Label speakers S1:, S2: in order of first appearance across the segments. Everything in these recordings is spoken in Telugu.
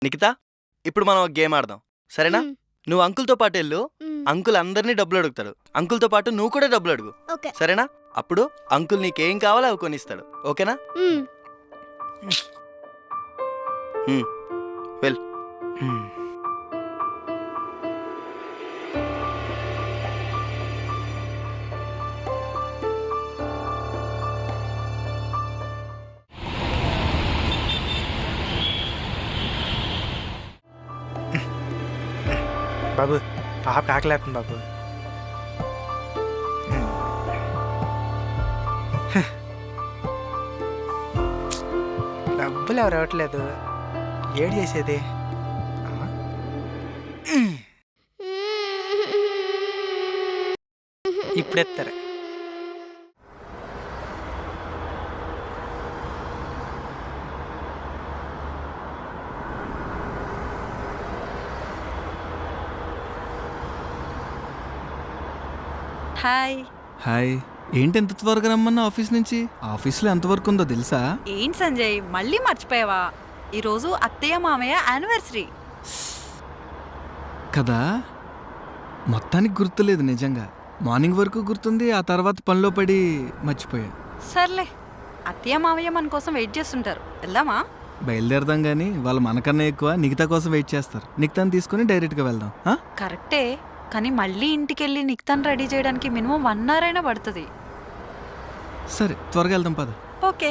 S1: నిఖిత, ఇప్పుడు మనం ఒక గేమ్ ఆడదాం, సరేనా?
S2: మ్మ్.
S1: నువ్వు అంకుల్తో పాటు వెళ్ళు.
S2: మ్మ్.
S1: అంకుల్ అందరినీ డబ్బులు అడుగుతాడు. అంకుల్తో పాటు నువ్వు కూడా డబ్బులు అడుగు,
S2: ఓకే.
S1: సరేనా? అప్పుడు అంకుల్ నీకేం కావాలో అవి కొనిస్తాడు, ఓకేనా?
S2: మ్మ్.
S1: వెల్.
S3: బాబు పాప ఆకలేస్తుంది బాబు. డబ్బులు ఎవరు ఇవ్వట్లేదు, ఏడు చేసేది? ఇప్పుడు ఎత్తారు.
S4: హాయ్.
S5: హాయ్. ఏంటి ఎంత త్వరగా రమ్మన్నా ఆఫీస్ నుంచి? ఆఫీస్లో ఎంతవరకు ఉందో తెలుసా?
S4: ఏంటి సంజయ్, మళ్ళీ మర్చిపోయావా? ఈరోజు అత్తయ్య మామయ్య యానివర్సరీ
S5: కదా, మొత్తానికి గుర్తులేదు నిజంగా. మార్నింగ్ వరకు గుర్తుంది, ఆ తర్వాత పనిలో పడి మర్చిపోయా.
S4: సర్లే, అత్తయ్య మామయ్య మన కోసం వెయిట్ చేస్తుంటారు, వెళ్దామా?
S5: బయలుదేరదాం కానీ వాళ్ళు మనకన్నా ఎక్కువ నిఖితా కోసం వెయిట్ చేస్తారు. నిఖితాని తీసుకుని డైరెక్ట్గా వెళ్దాం.
S4: కరెక్టే, కానీ మళ్ళీ ఇంటికెళ్ళి నిక్తాన్ రెడీ చేయడానికి మినిమం 1 hour అయినా పడుతుంది.
S5: సరే త్వరగా వెళ్దాం పద.
S4: ఓకే.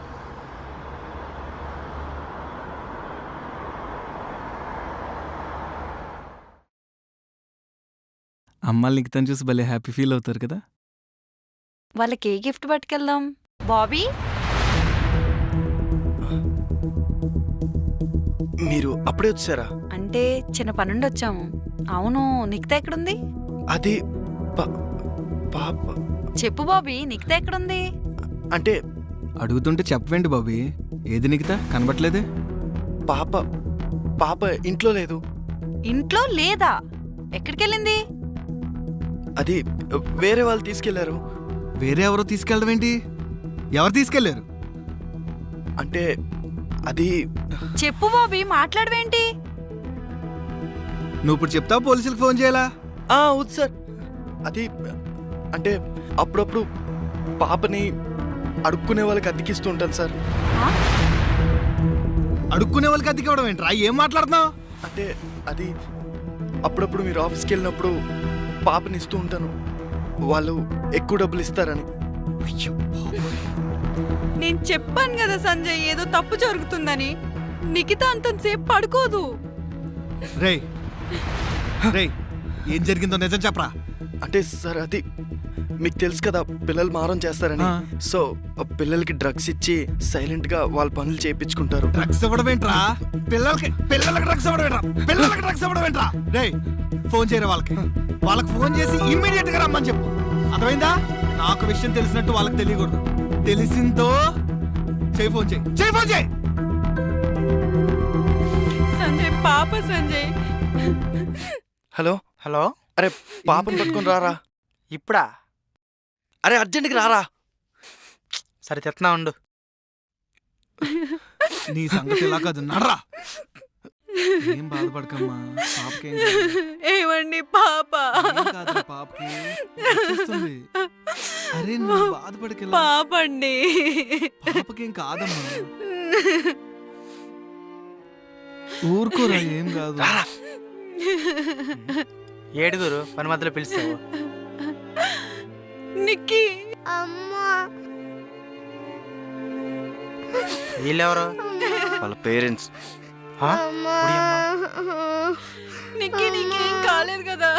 S5: అమ్మాయిలు నిఖితాని చూసి భలే హ్యాపీ ఫీల్ అవుతారు కదా.
S4: వాళ్ళకి ఏ గిఫ్ట్ పట్టుకెళ్దాం? బాబీ,
S1: మీరు అప్పుడే వచ్చారా?
S4: అంటే చిన్న పనుండి వచ్చాము. అవును, నిక్తా ఎక్కడుంది?
S1: అది పాప.
S4: చెప్పు బాబీ, నిక్తా ఎక్కడుంది?
S1: అంటే
S5: అడుగుతుంటే చెప్పవేంటి బాబీ? ఏది నిఖితా కనబట్లేదే?
S1: పాప పాప ఇంట్లో లేదు.
S4: ఇంట్లో లేదా? ఎక్కడికెళ్ళింది?
S1: అది వేరే వాళ్ళు తీసుకెళ్లారు.
S5: వేరే ఎవరో తీసుకెళ్ళడం ఏంటి? ఎవరు తీసుకెళ్లారు?
S1: అంటే అది
S4: చెప్పు బాబీ, మాట్లాడవేంటి?
S5: నువ్వు ఇప్పుడు చెప్తావు, పోలీసులకు ఫోన్ చేయాలా?
S1: అవును సార్. అది అంటే అప్పుడప్పుడు పాపని అడుక్కునే వాళ్ళకి అద్దెకిస్తూ ఉంటాను సార్.
S4: ఆ?
S5: అడుక్కునే వాళ్ళకి అద్దెకివ్వడం ఏంట్రా? ఏం మాట్లాడుతున్నావు?
S1: అంటే అది అప్పుడప్పుడు మీరు ఆఫీస్కి వెళ్ళినప్పుడు పాపని ఇస్తూ ఉంటాను, వాళ్ళు ఎక్కువ డబ్బులు ఇస్తారని.
S4: నేను చెప్పాను కదా సంజయ్, ఏదో తప్పు జరుగుతుందని. నిఖిత అంతసేపు పడుకోదు.
S5: రేయ్ రేయ్, ఏం జరిగిందో నిజం చెప్పరా.
S1: అంటే సార్ అది మీకు తెలుసు కదా, పిల్లలు మారం చేస్తారని.
S5: ఆ.
S1: సో పిల్లలకి డ్రగ్స్ ఇచ్చి సైలెంట్ గా వాళ్ళ పనులు చేయించుకుంటారు.
S5: డ్రగ్స్ ఇవ్వడం ఏంట్రా? పిల్లలకి డ్రగ్స్ ఇవ్వడం ఏంట్రా? పిల్లలకి డ్రగ్స్ ఇవ్వడం ఏంట్రా? రేయ్ ఫోన్ చేయరా వాళ్ళకి ఫోన్ చేసి ఇమ్మీడియట్ గా రమ్మని చెప్పు, అర్థమైందా? నాకు విషయం తెలిసినట్టు వాళ్ళకి తెలియకూడదు. తెలిసిందో ఫోన్ చేయి.
S4: సంజయ్ పాప, సంజయ్.
S1: హలో
S3: హలో,
S1: అరే పాపని పట్టుకొని రారా.
S3: ఇప్పుడా?
S1: అరే అర్జెంట్కి రారా.
S3: సరే తెస్తున్నా ఉండు.
S5: నీ సంగతి ఇలా కాదు, నడరా. ఏం బాధపడకమ్మా, పాపకేం
S4: ఏమండి పాప?
S5: కాదు, పాపకి వచ్చేస్తుంది. అరే నువ్వు బాధపడకెళ్ళా,
S4: పాపండి.
S5: పాపకేం కాదమ్మా, ఊరుకోరా, ఏం కాదు.
S3: ఏడుగురు పని మధ్యలో పిలుస్తావు.
S4: నిక్కి,
S2: అమ్మా.
S3: వీళ్ళెవరు?
S1: వాళ్ళ పేరెంట్స్.
S3: ఆ?
S2: అమ్మా.
S4: నిక్కి నీకేం కాలేదు కదా?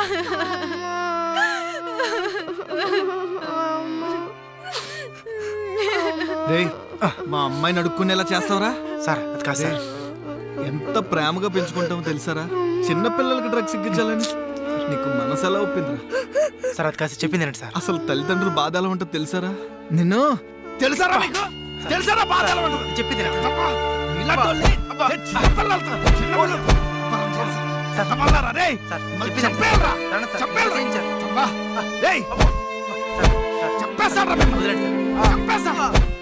S5: రేయ్ మా అమ్మాయిని అడుక్కునేలా చేస్తావరా?
S3: సార్ అది కాదు సార్.
S5: ఎంత ప్రేమగా పెంచుకుంటామో తెలుసారా? చిన్న పిల్లలకి డ్రగ్స్ ఎక్కించాలని నీకు మనసు ఎలా ఒప్పిందిరా?
S3: సార్ అది కాదు, చెప్పింది ఏంటి సార్?
S5: అసలు తల్లిదండ్రులు బాధ ఎలా ఉంటుందో తెలుసారా? నిన్ను తెలుసారా? నీకు తెలుసారా బాధ ఎలా ఉంటుందో?
S3: చెప్పింది ఏంటి?
S5: ఇలాంటోళ్ళని చిన్న పిల్లలతో పరం చేసి చంపమన్నారా? రేయ్
S3: సార్,
S5: మళ్ళీ
S3: చెప్పింది ఏంటి?
S5: చంపేయాలిరా?
S3: రండి సార్,
S5: చంపేయాలిరా?
S3: ఏం సార్?
S5: రేయ్
S3: సార్, సార్,
S5: చంపేస్తారా మిమ్మల్ని?
S3: వదిలేండి సార్.
S5: చంపేస్తా.